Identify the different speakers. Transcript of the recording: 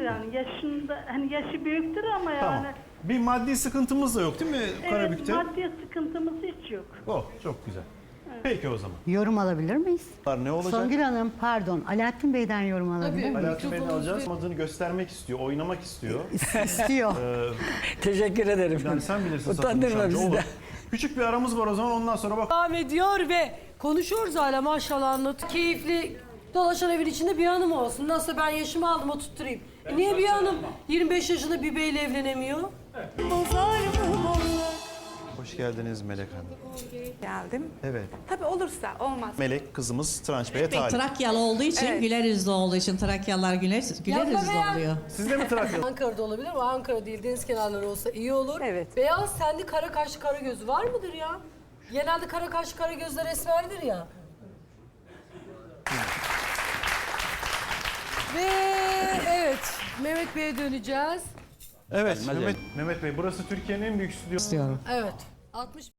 Speaker 1: yani. Yaşında, hani yaşı büyüktür ama
Speaker 2: Tamam.
Speaker 1: yani.
Speaker 2: Bir maddi sıkıntımız da yok değil mi
Speaker 1: Evet,
Speaker 2: Karabük'te?
Speaker 1: maddi sıkıntımız hiç yok.
Speaker 2: Oh, çok güzel. Peki o zaman.
Speaker 3: Yorum alabilir miyiz?
Speaker 2: Ne olacak?
Speaker 3: Songül Hanım pardon, Alaaddin Bey'den yorum alabilir miyim?
Speaker 2: Alaaddin Bey'den alacağız. Adını göstermek istiyor, oynamak istiyor.
Speaker 3: İstiyor.
Speaker 4: Teşekkür ederim.
Speaker 2: Yani sen bilirsin
Speaker 4: Utandırma
Speaker 2: Satılmış amca,
Speaker 4: bizi
Speaker 2: olur.
Speaker 4: de.
Speaker 2: Küçük bir aramız var o zaman, ondan sonra bak.
Speaker 5: Devam ediyor ve konuşuyoruz hala maşallah anlat. Keyifli dolaşan evin içinde bir hanım olsun. Nasıl ben yaşımı aldım oturtturayım. Niye bir hanım 25 yaşında bir beyle evlenemiyor?
Speaker 2: Hoş geldiniz Melek Hanım.
Speaker 6: Geldim.
Speaker 2: Evet.
Speaker 6: Tabii olursa olmaz.
Speaker 2: Melek kızımız Tranç Bey'e talip.
Speaker 7: Trakyalı olduğu için,
Speaker 6: Evet.
Speaker 7: güler yüzlü olduğu için Trakyalılar güler yüzlü oluyor.
Speaker 2: Siz de mi Trakyalı?
Speaker 5: Ankara'da olabilir ama Ankara değil deniz kenarları olsa iyi olur.
Speaker 6: Evet.
Speaker 5: Beyaz tenli kara kaşlı kara gözü var mıdır ya? Genelde kara kaşlı kara gözler esmerdir ya. Ve evet Mehmet Bey'e döneceğiz.
Speaker 2: Evet Mehmet Bey, burası Türkiye'nin en büyük stüdyosu.
Speaker 7: İstiyorum.
Speaker 5: Evet. 60